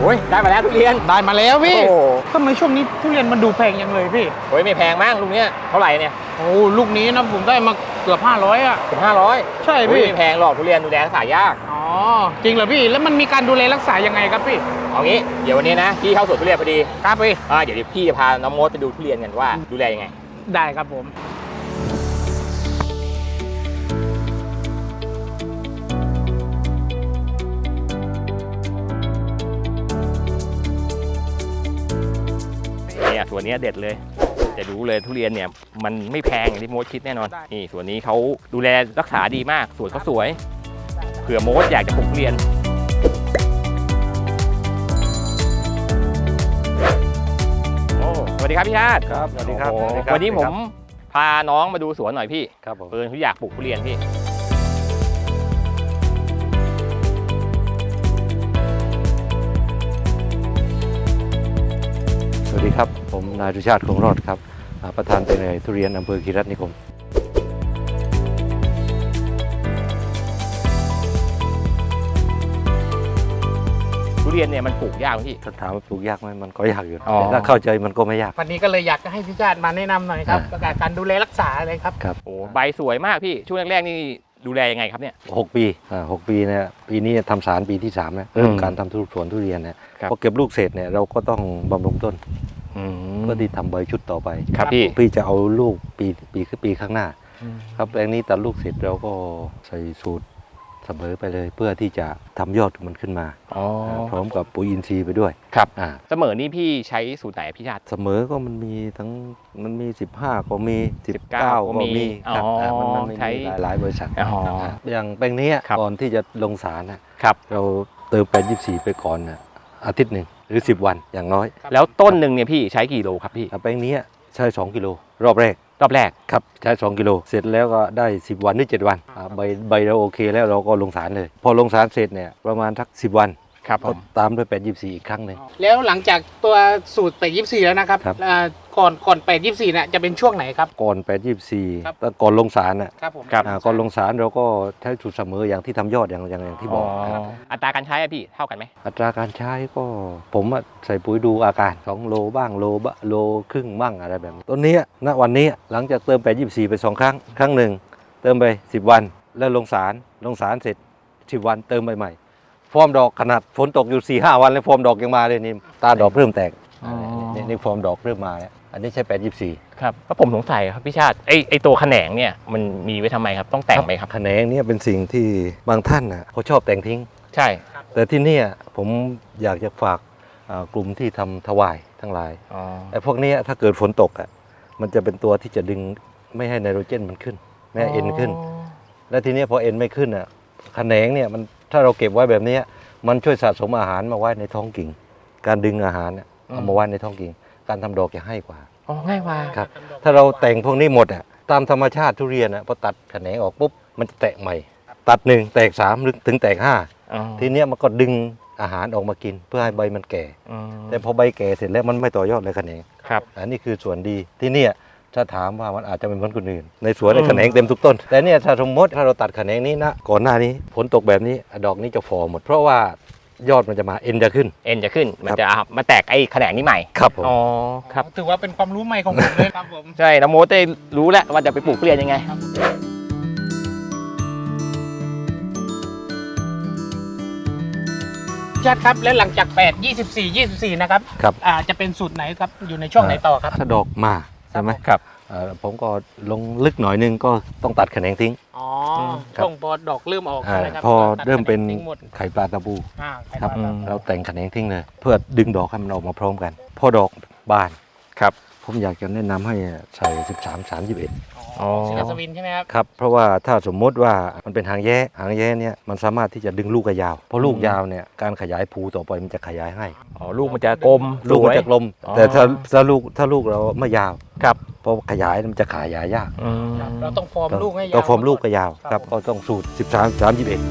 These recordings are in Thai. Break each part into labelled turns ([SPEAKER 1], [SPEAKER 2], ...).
[SPEAKER 1] โอ้ยได้มาแล้วทุเรียน
[SPEAKER 2] ได้มาแล้วพี่
[SPEAKER 1] โอ้
[SPEAKER 2] ทำไมช่วงนี้ทุเรียนมันดูแพงยังเลยพี่
[SPEAKER 1] โอ้ยไม่แพงมากลูกเนี้ยเท่าไหร่เนี่ย
[SPEAKER 2] โอ้ลูกนี้นะผมได้มาเกือบ500อ่ะ
[SPEAKER 1] เกือบ500
[SPEAKER 2] ใช่พี่
[SPEAKER 1] ไม่แพงหรอกทุเรียนดูแลรักษายาก
[SPEAKER 2] อ๋อจริงเหรอพี่แล้วมันมีการดูแลรักษายังไงครับพี่
[SPEAKER 1] เอางี้เดี๋ยววันนี้นะพี่เข้าสวนทุเรียนพอดี
[SPEAKER 2] ครับพี่
[SPEAKER 1] เดี๋ยวพี่จะพาน้องมดไปดูทุเรียนกันว่าดูแลยังไง
[SPEAKER 2] ได้ครับผม
[SPEAKER 1] เนี่ยส่วนนี้เด็ดเลยจะรู้เลยทุเรียนเนี่ยมันไม่แพงอย่างที่โมดคิดแน่นอนนี่ส่วนนี้เขาดูแลรักษาดีมากสวนเขาสวยเผื่อโมดอยากจะปลูกทุเรียนโอ้สวัสดีครับพี่ชาติ
[SPEAKER 3] ครับสวัสดีครับ
[SPEAKER 1] วันนี้ผมพาน้องมาดูสวนหน่อยพี่
[SPEAKER 3] ครับผม
[SPEAKER 1] เขาอยากปลูกทุเรียนพี่
[SPEAKER 3] สวัสดีครับผมนายดุชาติคงรอดครับประธานเป็นทุเรียนอำเภอคีรีรัตน์นิคม
[SPEAKER 1] ทุเรียนเนี่ยมันปลูกยากไหมพี่
[SPEAKER 3] ถ้าถามว่าปลูกยากไหมมันก็ยากอยู่แต่ถ้าเข้าใจมันก็ไม่ยาก
[SPEAKER 2] วันนี้ก็เลยอยากจะให้พี่ชาติมาแนะนำหน่อยครับการดูแลรักษาเลยครับ
[SPEAKER 3] ครับ
[SPEAKER 1] โอ้ใบสวยมากพี่ช่วงแรกๆนี่ดูแลยังไงครับเนี่ย
[SPEAKER 3] 6 ปี6 ปีเนี่ยปีนี้ทำสารปีที่3แล้วเริ่มการทำสวนทุเรียนเนี่ยพอเก็บลูกเสร็จเนี่ยเราก็ต้องบำรุงต้นเพื่อที่ทำใบชุดต่อไป
[SPEAKER 1] ครับ
[SPEAKER 3] พี่จะเอาลูกปีข้างหน้าครับแปลงนี้ตัดลูกเสร็จเราก็ใส่สูตรเสมอไปเลยเพื่อที่จะทำยอดมันขึ้นมาพร้อมกับปุ๋ยอินทรีย์ไปด้วย
[SPEAKER 1] ครับเสมอนี่พี่ใช้สูตรไหนพี่ชาติ
[SPEAKER 3] เสมอก็มันมี15ก็มี19ก็มีครับมันใช้หลายบริษัทอย่างแปลงนี้ก่อนที่จะลงสารนะครับเราเติม824ไปก่อนอาทิตย์หนึ่งหรือ10 วันอย่างน้อย
[SPEAKER 1] แล้วต้นหนึ่งเนี่ยพี่ใช้กี่โลครับพี่
[SPEAKER 3] แปลงนี้ใช้2 กิโลรอบแรกครับใช้2 กิโลเสร็จแล้วก็ได้10 วันหรือ7 วันใบเราโอเคแล้วเราก็ลงสารเลยพอลงสารเสร็จเนี่ยประมาณทัก10 วัน
[SPEAKER 1] ครับ
[SPEAKER 3] ก็ตามด้วย824อีกครั้งหนึ่ง
[SPEAKER 2] แล้วหลังจากตัวสูตร824แล้วนะครับก่อน824เนี่ยจะเป็นช่วงไหนครับ
[SPEAKER 3] ก่อน824แล้วก่อนลงสาร
[SPEAKER 2] ครับผม
[SPEAKER 3] ก่อนลงสารเราก็ใช้สูตรเสมออย่างที่ทำยอดอย่างที่บอก
[SPEAKER 1] อัตราการใช้พี่เท่ากันไหม
[SPEAKER 3] อัตราการใช้ก็ผมใส่ปุ๋ยดูอาการ2 โลบ้างโลครึ่งบ้างอะไรแบบนี้ต้นนี้วันนี้หลังจากเติม824ไป2 ครั้งหนึ่งเติมไป10 วันแล้วลงสารเสร็จ10 วันเติมใหม่ฟอร์มดอกขนาดฝนตกอยู่ 4-5 วันแล้วฟอร์มดอกยังมาเลยนี่ตาดอกเริ่มแตกนี่ฟอร์มดอกเริ่มมาแล้วอันนี้ใช้824
[SPEAKER 1] ครับแล้วผมสงสัยครับพี่ชาติไอตัวแขนงเนี่ยมันมีไว้ทำไมครับต้องแต่งไหมครับ
[SPEAKER 3] แขนงเนี่ยเป็นสิ่งที่บางท่านเขาชอบแต่งทิ้ง
[SPEAKER 1] ใช่
[SPEAKER 3] แต่ที่นี่ผมอยากจะฝากกลุ่มที่ทำถวายทั้งหลายไอ้พวกนี้ถ้าเกิดฝนตกมันจะเป็นตัวที่จะดึงไม่ให้ไนโตรเจนมันขึ้นไม่ให้เอ็นขึ้นและทีนี้พอเอ็นไม่ขึ้นแขนงเนี่ยมันถ้าเราเก็บไว้แบบนี้มันช่วยสะสมอาหารมาไว้ในท้องกิ่งการดึงอาหารเอามาไว้ในท้องกิ่งการทำดอกจะให้กว่า
[SPEAKER 1] ง่ายกว่า
[SPEAKER 3] ครับถ้าเราแต่งพวกนี้หมดตามธรรมชาติทุเรียนพอตัดแขนงออกปุ๊บมันจะแตกใหม่ตัด1แตก3หรือถึงแตก5ทีนี้มันก็ดึงอาหารออกมากินเพื่อให้ใบมันแก่แต่พอใบแก่เสร็จแล้วมันไม่ต่อยอดเลยแขนง
[SPEAKER 1] ครับ
[SPEAKER 3] อันนี้คือส่วนดีที่นี่ถ้าถามว่ามันอาจจะเป็นเหมือนคนอื่นในสวนแขนงเต็มทุกต้นแต่เนี่ยถ้าสมมติถ้าเราตัดแขนงนี้ก่อนหน้านี้ฝนตกแบบนี้ดอกนี้จะฟอหมดเพราะว่ายอดมันจะมาเอ็นจะขึ้น
[SPEAKER 1] มันจะมาแตกไอ้แขนงนี้ใหม่
[SPEAKER 3] ครับผม
[SPEAKER 2] ครับถือว่าเป็นความรู้ใหม่ของผมเลยครับผม
[SPEAKER 1] ใช่น้ำโมได้รู้แล้วว่าจะไปปลูกทุเรียนยังไง
[SPEAKER 2] ชัดครับแล้วหลังจาก8 24 นะครับจะเป็นสูตรไหนครับอยู่ในช่วงไหนต่อครับ
[SPEAKER 3] ถ้าดอกมาใช่ไหม
[SPEAKER 1] ครับ
[SPEAKER 3] ผมก็ลงลึกหน่อยนึงก็ต้องตัดแขนงทิ้ง
[SPEAKER 2] ช่วงพอดอกเริ่มออก
[SPEAKER 3] พอเริ่มเป็นไข่ปลาตะปูครับเราแต่งแขนงทิ้งเลยเพื่อดึงดอกให้มันออกมาพร้อมกันพอดอกบาน
[SPEAKER 1] ครับ
[SPEAKER 3] ผมอยากจะแนะนำให้ใส่13-31
[SPEAKER 2] ซิลาสวินใช่ไหมครับ
[SPEAKER 3] ครับเพราะว่าถ้าสมมติว่ามันเป็นหางแย้เนี่ยมันสามารถที่จะดึงลูกยาวเพราะลูกยาวเนี่ยการขยายภูต่อไปมันจะขยายให้
[SPEAKER 1] ลูกมันจะกลม
[SPEAKER 3] ลูกมันจะกลมแต่ถ้าลูกเราไม่ยาว
[SPEAKER 1] ครับ
[SPEAKER 3] พอขยายมันจะขยายยาก
[SPEAKER 2] เราต้องฟอร์มลูกให้ยาว
[SPEAKER 3] ต้องฟอร์มลูกก็ยาวครับก็ต้องสูตร13-31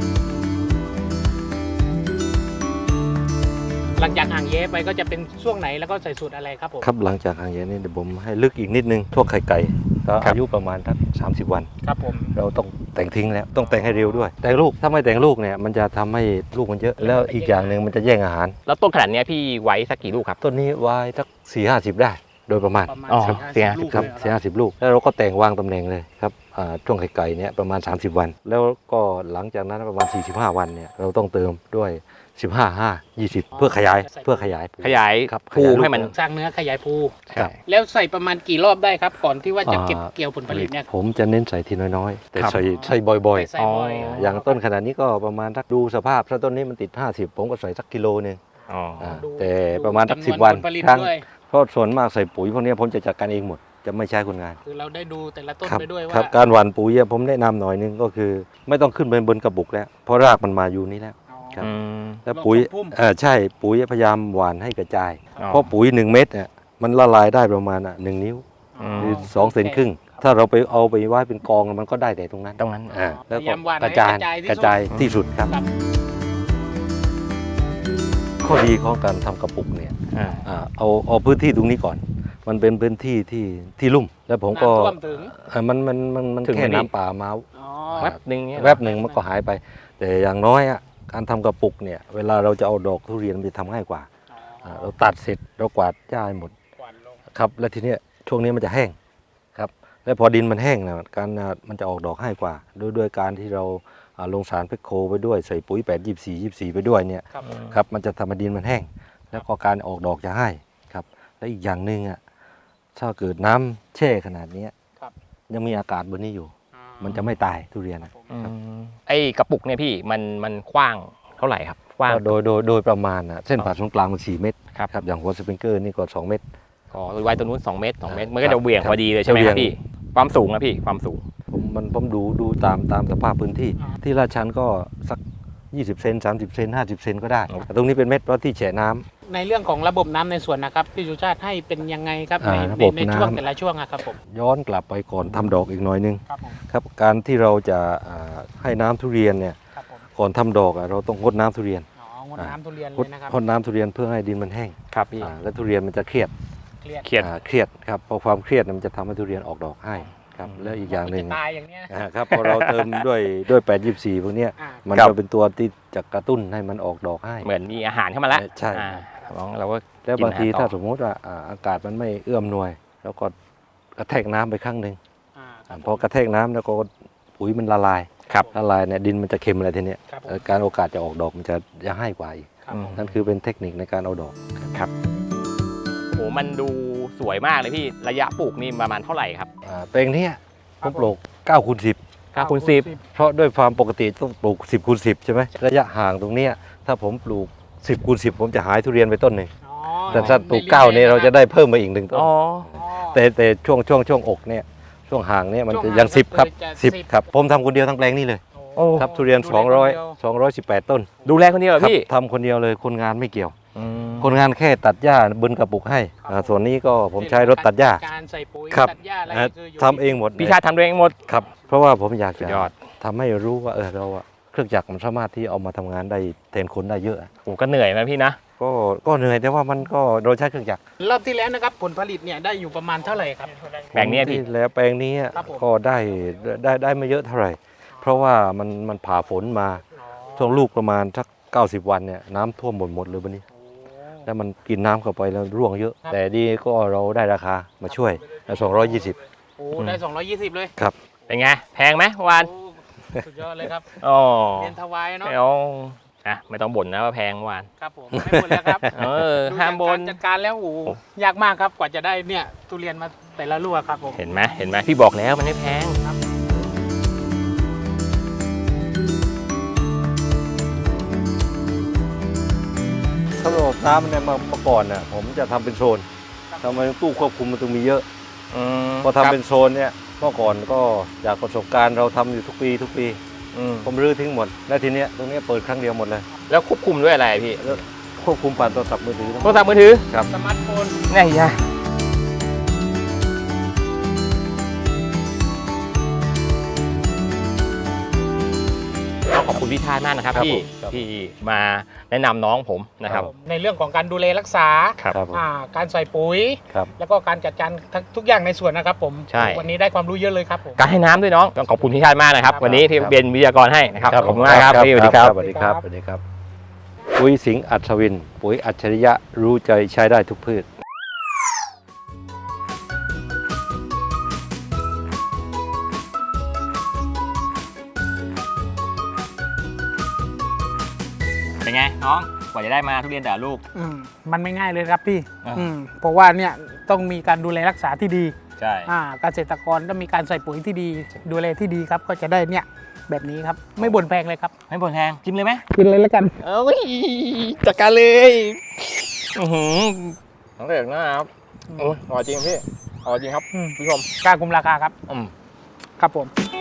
[SPEAKER 2] หลังจากห่างแย้ไปก็จะเป็นช่วงไหนแล้วก็ใส่สูตรอะไรครับผม
[SPEAKER 3] ครับหลังจากห่างแย้นี่เดี๋ยวผมให้ลึกอีกนิดนึงทั่วไข่ไก่ก็อายุประมาณสัก30 วัน
[SPEAKER 2] ครับผม
[SPEAKER 3] เราต้องแต่งทิ้งแล้วต้องแต่งให้เร็วด้วย แต่งลูกถ้าไม่แต่งลูกเนี่ยมันจะทำให้ลูกมันเยอะแล้วอีกอย่างหนึ่งมันจะแย่งอาหาร
[SPEAKER 1] แล้วต้นขนาดเนี้ยพี่ไว้สักกี่ลูกครับ
[SPEAKER 3] ต้นนี้ไว้สัก4-50 ได้โดยประมาณ
[SPEAKER 2] ประมาณ
[SPEAKER 1] อ๋อ
[SPEAKER 2] 4-50 ลูก
[SPEAKER 3] ครับ
[SPEAKER 2] เลยเหอ
[SPEAKER 3] 4-50 ลูกแล้วเราก็แต่งวางตำแหน่งเลยครับช่วงไข่ไก่เนี่ยประมาณ30 วัน แล้วก็หลังจากนั้นประมาณ45 วันเนี่ยเราต้องเติมด้วย15-5-20เพื่อขยาย
[SPEAKER 1] ขยาย
[SPEAKER 3] ครับ
[SPEAKER 1] ภู
[SPEAKER 3] ขยายลูก
[SPEAKER 1] ให้มัน
[SPEAKER 2] สร้างเนื้อขยายภู
[SPEAKER 3] ครับ
[SPEAKER 2] แล้วใส่ประมาณกี่รอบได้ครับ ก่อนที่ว่าจะเก็บเกี่ยวผลผลิตเนี่ย
[SPEAKER 3] ผมจะเน้นใส่ทีน้อยๆ แต่
[SPEAKER 1] ครับ
[SPEAKER 3] ใส่บ่อย
[SPEAKER 2] ใส่บ่อย
[SPEAKER 1] อ๋อ
[SPEAKER 3] ๆ อย่างต้นขนาดนี้ก็ประมาณสักดูสภาพถ้าต้นนี้มันติด 50 ผมก็ใส่สักกิโลนึง
[SPEAKER 1] อ๋อ
[SPEAKER 2] ดู
[SPEAKER 3] แต่ประมาณสัก
[SPEAKER 2] จำน
[SPEAKER 3] 10 วัน
[SPEAKER 2] ผลผลิต
[SPEAKER 3] ครั้ง
[SPEAKER 2] ด้วย
[SPEAKER 3] เพราะส่วนมากใส่ปุ๋ยพวกนี้ผมจะจัดการเองหมดจะไม่ใช้คนงาน
[SPEAKER 2] คือเราได้ดูแต่ละต้น
[SPEAKER 3] ครับ
[SPEAKER 2] ไปด้วย
[SPEAKER 3] ครั
[SPEAKER 2] ว่า
[SPEAKER 3] บการหว่านปุ๋ยอะผมแนะนำหน่อยนึงก็คือ ไม่ต้องขึ้นไปบนกระบุกแล้ว เพราะรากมันมาอยู่นี่แล้ว
[SPEAKER 2] อ๋อ
[SPEAKER 3] ครับ
[SPEAKER 1] อืม
[SPEAKER 3] แล้วปุ๋ย
[SPEAKER 2] รอบพุ่ม
[SPEAKER 3] ใช่ปุ๋ยพยายามหว่านให้กระจาย
[SPEAKER 1] อ๋อ
[SPEAKER 3] เพราะปุ๋ย1 เม็ดเนี่ยมันละลายได้ประมาณ1 นิ้ว
[SPEAKER 1] อืม
[SPEAKER 3] หรือ2 เซนครึ่ง ถ้าเราไปเอาไปไว้เป็นกองมันก็ได้แต่ตรงนั้น
[SPEAKER 1] ตรงนั้น
[SPEAKER 3] แล้ว
[SPEAKER 2] พยา
[SPEAKER 3] ก็
[SPEAKER 2] ยามหว่าน
[SPEAKER 3] กระจาย
[SPEAKER 2] ให้
[SPEAKER 3] กระจายที่สุดครับ
[SPEAKER 2] ครับ
[SPEAKER 3] ข้อดีของการทำกระปุกเนี่ย
[SPEAKER 1] อ่า
[SPEAKER 3] เอาพื้นที่ตรงนี้ก่อน มันเป็นพื้นที่ที่ลุ่ม แล้วผมก็
[SPEAKER 2] น้ำท่วมถึง
[SPEAKER 3] มัน
[SPEAKER 1] ถึงไหม
[SPEAKER 3] แค่
[SPEAKER 1] พี่
[SPEAKER 3] น้ำป่ามา
[SPEAKER 2] อ๋อ
[SPEAKER 1] แวบหนึ่งเนี่ย
[SPEAKER 3] แวบหนึ่งมันก็หายไป แต่อย่างน้อยอะการทำกระปุกเนี่ยเวลาเราจะเอาดอกทุเรียนมันจะทำง่ายกว่า
[SPEAKER 2] อ๋อ
[SPEAKER 3] เราตัดเสร็จเรากวาดหญ้าให้หมด
[SPEAKER 2] กวาดลง
[SPEAKER 3] ครับแล้วทีเนี้ยช่วงนี้มันจะแห้งครับแล้วพอดินมันแห้งนะการมันจะออกดอกง่ายกว่าด้วยการที่เราลงสารเพคโคไปด้วยใส่ปุ๋ย8-24-24 ไปด้วยเนี่ย
[SPEAKER 2] ครับ
[SPEAKER 3] ครับมันจะทำให้ดินมันแห้ง แล้วก็การออกดอกจะง่ายครับและอีกอย่างหนึ่งอ่ะถ้าเกิดน้ำแช่ขนาดเนี้ย
[SPEAKER 2] ครับ
[SPEAKER 3] ยังมีอากาศบนนี้อยู่
[SPEAKER 2] อ่า
[SPEAKER 3] มันจะไม่ตายทุเรียนนะ
[SPEAKER 1] อืมไอ้กระปุกเนี่ยพี่มันกว้างเท่าไหร่ครับกว้าง
[SPEAKER 3] ก็โดยประมาณนะเส้นผ่าศูนย์กลางมัน4 เมตร
[SPEAKER 1] ครับ
[SPEAKER 3] ครับอย่างหัวสปริงเกอร์นี่ก็2 เมตร
[SPEAKER 1] อ๋อไว้ตัวนู้น2 เมตร 2 เมตร มันก็
[SPEAKER 3] ครั
[SPEAKER 1] จะ
[SPEAKER 3] บ
[SPEAKER 1] เหวี่ยง
[SPEAKER 3] ครับ
[SPEAKER 1] พอดีเลยใช่ไหม
[SPEAKER 3] จะเหวี่
[SPEAKER 1] ค
[SPEAKER 3] ย
[SPEAKER 1] รั
[SPEAKER 3] ง
[SPEAKER 1] บพี่ความสูงนะพี่ความสูง
[SPEAKER 3] ผมดูตามสภาพพื้นที่ ที่ลาดชันก็สัก20 เซน30 เซน50 เซนก็ได้แต่ตรงนี้เป็นเม็ดเพราะที่แฉะน้ำ
[SPEAKER 2] ในเรื่องของระบบน้ำในสวนนะครับพี่สุชาติให้เป็นยังไงครับใน
[SPEAKER 3] ระบบ
[SPEAKER 2] ในช่วง
[SPEAKER 3] น้ำ
[SPEAKER 2] แต่ละช่วงอะครับผม
[SPEAKER 3] ย้อนกลับไปก่อนทำดอกอีกหน่อยนึง
[SPEAKER 2] ครับผม
[SPEAKER 3] ครับการที่เราจะให้น้ำทุเรียนเนี่ย
[SPEAKER 2] ครับผม
[SPEAKER 3] ก่อนทำดอกเราต้องงดน้ำทุเรียน
[SPEAKER 2] อ๋องดน้ำทุเรียน
[SPEAKER 3] ง
[SPEAKER 2] เล
[SPEAKER 3] ด
[SPEAKER 2] ยนะครับ
[SPEAKER 3] งดน้ำทุเรียนเพื่อให้ดินมันแห้ง
[SPEAKER 1] ครับพี่
[SPEAKER 3] แล้วทุเรียนมันจะเครียด
[SPEAKER 2] เครียด
[SPEAKER 1] เครียด
[SPEAKER 3] เครียดครับพอความเครียดมันจะทำให้ทุเรียนออกดอกให้ครับแล้วอีกอย่างหนึ่ง
[SPEAKER 2] จะตายอย่างเนี้ย
[SPEAKER 3] ครับพอเราเติมด้วย8-24พวกเนี้ย
[SPEAKER 2] อ่า
[SPEAKER 3] มัน
[SPEAKER 1] ครับ
[SPEAKER 3] จะเป็นตัวที่จะกระตุ้นให้มันออกดอกให้
[SPEAKER 1] เหมือนมีอาหารเข้ามาแล้ว
[SPEAKER 3] ใช่
[SPEAKER 1] เราก็
[SPEAKER 3] แล้วบางที
[SPEAKER 1] กินอาหารต่อ
[SPEAKER 3] ถ้าสมมติว่าอากาศมันไม่เอื้อมหน่วย แล้วก็กระแทกน้ำไปครั้งหนึ่ง
[SPEAKER 2] ครับ
[SPEAKER 3] พอกระแทกน้ำแล้วก็ปุ๋ยมันละลาย
[SPEAKER 1] ครับ
[SPEAKER 3] ละลายเนี่ยดินมันจะเค็มอะไรทีเนี้ย
[SPEAKER 2] ครับผม
[SPEAKER 3] การโอกาสจะออกดอกมันจะให้กว่าอีก
[SPEAKER 2] ครับผม
[SPEAKER 3] นั่นคือเป็นเทคนิคในการเอาดอก
[SPEAKER 1] โหมันดูสวยมากเลยพี่ระยะปลูกนี่ประมาณเท่าไหร่ครับ
[SPEAKER 3] แปลงเนี้ยผมปลูก9 คูณ 10
[SPEAKER 1] 9 คูณ 10
[SPEAKER 3] เพราะด้วยความปกติต้องปลูก10 คูณ 10ใช่ไหมระยะห่างตรงเนี้ยถ้าผมปลูก10 คูณ 10 ผมจะหายทุเรียนไปต้นหนึ่ง
[SPEAKER 2] อ๋อ
[SPEAKER 3] แต่ถ้าปลูก9เนี่ยเราจะได้เพิ่มมาอีก1ต้น
[SPEAKER 1] อ๋อ
[SPEAKER 2] อ๋อ
[SPEAKER 3] แต่ช่วงอกเนี่ยช่วงห่างเนี่ยมัน
[SPEAKER 2] ช่วง
[SPEAKER 3] จะ
[SPEAKER 2] ห่าง
[SPEAKER 3] ยัง10ครับ
[SPEAKER 2] ก็คือจะ
[SPEAKER 3] 10ครับผมทำคนเดียวทั้งแปลงนี่เลย
[SPEAKER 2] โอ้
[SPEAKER 3] ครับทุเรียน
[SPEAKER 2] ดูแลคนเดียว
[SPEAKER 3] 218 ต้น
[SPEAKER 1] ดูแลคนเดียวเหรอ
[SPEAKER 3] ครับ
[SPEAKER 1] พี่
[SPEAKER 3] ทำคนเดียวเลยคนงานไม่เกี่ยว
[SPEAKER 1] อืม
[SPEAKER 3] คนงานแค่ตัดหญ้าบนกระปุกให้ส่วนนี้ก็ผมใช้รถตัดหญ้า
[SPEAKER 2] การใส่ปุ๋ย
[SPEAKER 3] ครับ
[SPEAKER 2] ตัดหญ้าอะไร
[SPEAKER 3] อ่า
[SPEAKER 2] คืออยู่
[SPEAKER 3] ทำเองหมด
[SPEAKER 1] พี่ชาติทำตัวเองหมด
[SPEAKER 3] ครับ เพราะว่าผมอยาก
[SPEAKER 1] สุ
[SPEAKER 3] จะ
[SPEAKER 1] ดยอด
[SPEAKER 3] ทำให้รู้ว่าเราอะเครื่องจักรมันสามารถที่เอามาทำงานได้แทนคนได้เยอะ
[SPEAKER 1] โหก็เหนื่อยไหมพี่นะ
[SPEAKER 3] ก็เหนื่อยแต่ว่ามันก็เราใช้เครื่องจักร
[SPEAKER 2] รอบที่แล้วนะครับผลผลิตเนี่ยได้อยู่ประมาณเท่าไหร่ครับ
[SPEAKER 1] แปลงเนี้ยพี่
[SPEAKER 3] ที่แล้วแปลงนี้
[SPEAKER 2] ครับผม
[SPEAKER 3] ก็ได้ไม่เยอะเท่าไหร่ เพราะว่ามันผ่าฝนมาช่วงลูกประมาณสัก90 วันเนี่ยน้ำท่วมหมดเลยวันนี้ แล้วมันกินน้ำเข้าไปแล้วร่วงเยอะ แต่ดีก็เราได้ราคามาช่วย220
[SPEAKER 2] โอ้ได้220เลย
[SPEAKER 3] ครับ
[SPEAKER 1] เป็นไงแพงไหมวาน
[SPEAKER 2] โอ้สุดยอดเลยครับ
[SPEAKER 1] อ๋อ
[SPEAKER 2] เรียนถวายเนาะ
[SPEAKER 1] เอาไม่ต้องบ่นนะว่าแพงวาน
[SPEAKER 2] ครับผมไม่หมดแล้วครับ
[SPEAKER 1] เออ
[SPEAKER 2] ดู
[SPEAKER 1] ห้ามบ่น
[SPEAKER 2] จากกรจัดการแล้วโอ้โหยากมากครับกว่าจะได้เนี่ยทุเรียนมาแต่ละลูกครับผม
[SPEAKER 1] เห็นไหมพี่บอกแล้วมันไม่แพง
[SPEAKER 3] ถ้าระบบน้ำเนี่ยเมื่อก่อนเนี่ยผมจะทำเป็นโซนทำไมตู้ควบคุมมันต้องมีเยอะ พอทำเป็นโซนเนี่ยเมื่อก่อนก็จากประสบการณ์เราทำอยู่ทุกปี ผมรื้อทิ้งหมด แล้วทีเนี้ยตรงเนี้ยเปิดครั้งเดียวหมดเลย
[SPEAKER 1] แล้วควบคุมด้วยอะไรพี่
[SPEAKER 3] แล้วควบคุมผ่านโทรศัพท์มือถือ
[SPEAKER 1] โทรศัพท์มือถือ
[SPEAKER 2] สมาร์ทโฟน
[SPEAKER 1] นี่ยาขอบคุณคุณพี่ชาติมากนะครับ
[SPEAKER 3] ครับ
[SPEAKER 1] ที่
[SPEAKER 3] ผมครับ
[SPEAKER 1] ที่มาแนะนำน้องผมนะครับ
[SPEAKER 2] ในเรื่องของการดูแลรักษา
[SPEAKER 1] ครับ
[SPEAKER 3] ครับผม
[SPEAKER 2] การใส่ปุ๋ย
[SPEAKER 3] ครับ
[SPEAKER 2] แล้วก็การจัดการทุกอย่างในสวนนะครับผม
[SPEAKER 1] ใช่
[SPEAKER 2] วันนี้ได้ความรู้เยอะเลยครับผม
[SPEAKER 1] การให้น้ำด้วยน้องต้องขอบคุณพี่ชาติมากนะครับ
[SPEAKER 2] ครับ
[SPEAKER 1] วันนี้ที่
[SPEAKER 3] ครับ
[SPEAKER 1] เป็นวิทยากรให้นะครับขอบคุณมากครับพี่สวัสดีครับ
[SPEAKER 3] สวัสดีครับสวัสดีครับ ปุ๋ยสิงห์อัศวิน ปุ๋ยอัจฉริยะรู้ใจใช้ได้ทุกพืช
[SPEAKER 1] เป็นไงน้องกว่าจะได้มาทุเรียนแต่ละลูก
[SPEAKER 2] มันไม่ง่ายเลยครับพี่
[SPEAKER 1] อ่า
[SPEAKER 2] เพราะว่าเนี่ยต้องมีการดูแลรักษาที่ดี
[SPEAKER 1] ใช่
[SPEAKER 2] เกษตรกรต้องมีการใส่ปุ๋ยที่ดี ดูแลที่ดีครับก็จะได้เนี่ยแบบนี้ครับไม่บ่นแพงเลยครับ
[SPEAKER 1] ไม่บ่นแพงชิมเลยไหม
[SPEAKER 2] กินเลยแล้วกัน
[SPEAKER 1] เอ้ยจัดการเลยน้องเด็กนะครับโอ้ยอร่อยจริงพี่อร่อยจริงครับ
[SPEAKER 2] อืม
[SPEAKER 1] ผู้ชม
[SPEAKER 2] กล้าคุมราคาครับ
[SPEAKER 1] อืม
[SPEAKER 2] ครับผม